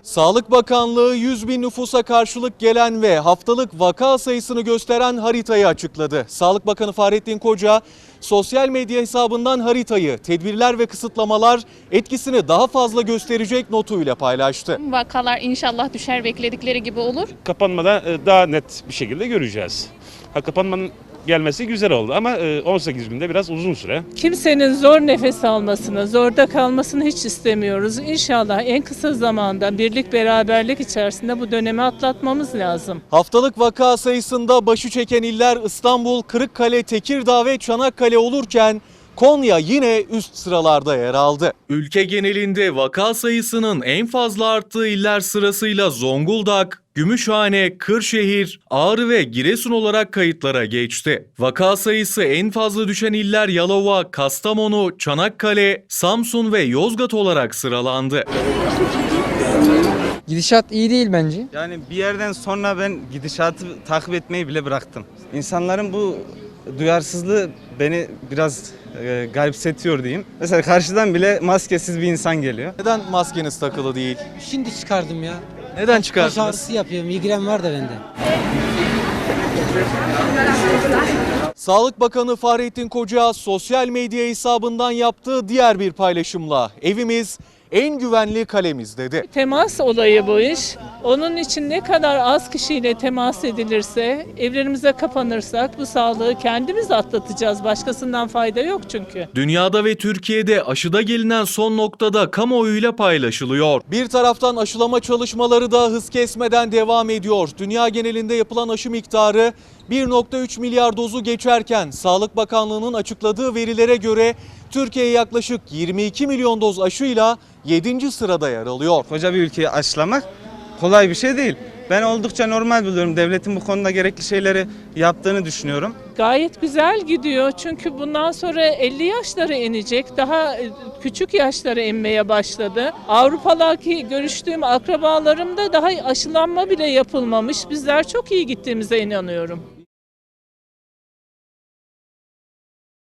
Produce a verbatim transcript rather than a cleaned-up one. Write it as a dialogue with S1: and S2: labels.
S1: Sağlık Bakanlığı yüz bin nüfusa karşılık gelen ve haftalık vaka sayısını gösteren haritayı açıkladı. Sağlık Bakanı Fahrettin Koca sosyal medya hesabından haritayı, tedbirler ve kısıtlamalar etkisini daha fazla gösterecek notuyla paylaştı.
S2: Vakalar inşallah düşer, bekledikleri gibi olur.
S3: Kapanmada daha net bir şekilde göreceğiz. Ha, kapanmanın gelmesi güzel oldu ama on sekiz günde biraz uzun süre.
S4: Kimsenin zor nefes almasını, zorda kalmasını hiç istemiyoruz. İnşallah en kısa zamanda birlik beraberlik içerisinde bu dönemi atlatmamız lazım.
S1: Haftalık vaka sayısında başı çeken iller İstanbul, Kırıkkale, Tekirdağ ve Çanakkale olurken Konya yine üst sıralarda yer aldı. Ülke genelinde vaka sayısının en fazla arttığı iller sırasıyla Zonguldak, Gümüşhane, Kırşehir, Ağrı ve Giresun olarak kayıtlara geçti. Vaka sayısı en fazla düşen iller Yalova, Kastamonu, Çanakkale, Samsun ve Yozgat olarak sıralandı.
S5: Gidişat iyi değil bence.
S6: Yani bir yerden sonra ben gidişatı takip etmeyi bile bıraktım. İnsanların bu duyarsızlığı beni biraz e, garipsetiyor diyeyim. Mesela karşıdan bile maskesiz bir insan geliyor.
S1: Neden maskeniz takılı değil?
S5: Şimdi çıkardım ya.
S1: Neden
S5: Baş
S1: çıkardınız?
S5: ağrısı yapıyor. Migren var da bende.
S1: Sağlık Bakanı Fahrettin Koca sosyal medya hesabından yaptığı diğer bir paylaşımla evimiz en güvenli kalemiz dedi.
S4: Temas olayı bu iş. Onun için ne kadar az kişiyle temas edilirse, evlerimize kapanırsak bu sağlığı kendimiz atlatacağız. Başkasından fayda yok çünkü.
S1: Dünyada ve Türkiye'de aşıda gelinen son noktada kamuoyuyla paylaşılıyor. Bir taraftan aşılama çalışmaları da hız kesmeden devam ediyor. Dünya genelinde yapılan aşı miktarı bir nokta üç milyar dozu geçerken Sağlık Bakanlığı'nın açıkladığı verilere göre Türkiye yaklaşık yirmi iki milyon doz aşıyla yedinci sırada yer alıyor.
S6: Koca bir ülkeyi aşılamak kolay bir şey değil. Ben oldukça normal buluyorum. Devletin bu konuda gerekli şeyleri yaptığını düşünüyorum.
S4: Gayet güzel gidiyor çünkü bundan sonra elli yaşlara inecek. Daha küçük yaşlara inmeye başladı. Avrupa'daki görüştüğüm akrabalarımda daha aşılanma bile yapılmamış. Bizler çok iyi gittiğimize inanıyorum.